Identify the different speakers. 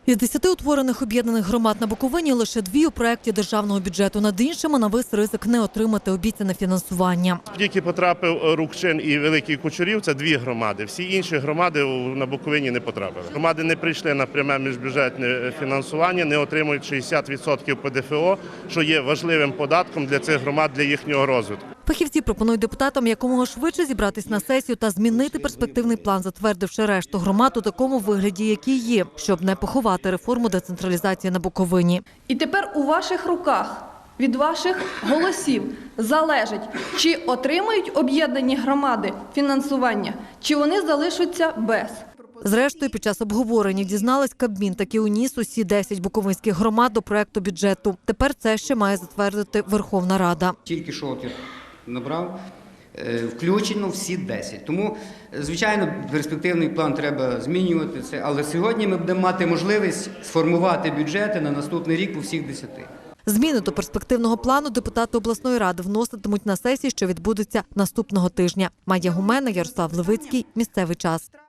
Speaker 1: Із 10 утворених об'єднаних громад на Буковині лише 2 у проєкті державного бюджету. Над іншими навис ризик не отримати обіцяне фінансування.
Speaker 2: Тільки потрапив Рукчин і Великий Кучурів – це 2 громади. Всі інші громади на Буковині не потрапили. Громади не прийшли на пряме міжбюджетне фінансування, не отримують 60% ПДФО, що є важливим податком для цих громад, для їхнього розвитку.
Speaker 1: Фахівці пропонують депутатам якомога швидше зібратись на сесію та змінити перспективний план, затвердивши решту громад у такому вигляді, який є, щоб не поховати реформу децентралізації на Буковині.
Speaker 3: І тепер у ваших руках, від ваших голосів залежить, чи отримають об'єднані громади фінансування, чи вони залишаться без.
Speaker 1: Зрештою, під час обговорення дізналась, Кабмін таки уніс усі 10 буковинських громад до проекту бюджету. Тепер це ще має затвердити Верховна Рада.
Speaker 4: Тільки що от я набрав, включено всі 10. Тому, звичайно, перспективний план треба змінювати це, але сьогодні ми будемо мати можливість сформувати бюджети на наступний рік по всіх 10.
Speaker 1: Зміни до перспективного плану депутати обласної ради вноситимуть на сесії, що відбудеться наступного тижня. Майя Гумена, Ярослав Левицький. Місцевий час.